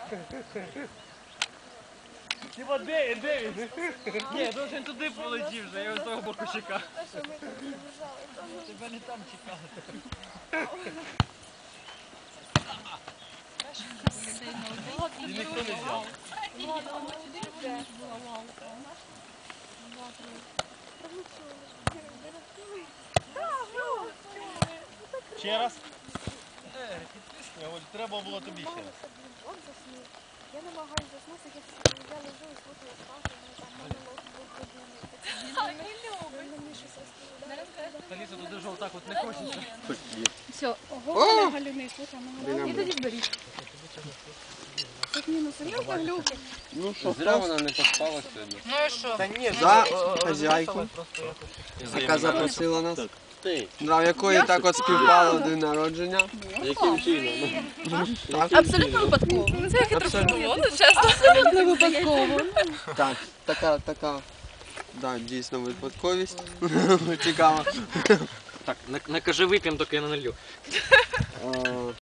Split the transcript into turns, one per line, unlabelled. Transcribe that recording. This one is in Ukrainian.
Тіба, де він? Ні, то він туди полетів вже, я з того боку чекав. Тебе не там чекали. І ніхто не взяв. Ще раз? Треба було тобі ще раз.
Я намагаюся заснути, я лежу і слухаю сказку, там монолог був подібний.
Аліса, туди ж отак от не хочеться.
Все, ого, галюни, слухай, і тоді беріть. Тут мінус, серйозно глюки?
Ну що, зря вона не поспала сьогодні.
Ну і що?
Та ні,
За хазяйку, яка запросила нас. В якої так от співпало день народження.
Яким чином?
Абсолютно випадково. Це
Абсолютно.
чесно. Абсолютно випадково.
Так, така, да, дійсно випадковість. Цікаво.
Так, не кажи вип'ємо, доки я не налью.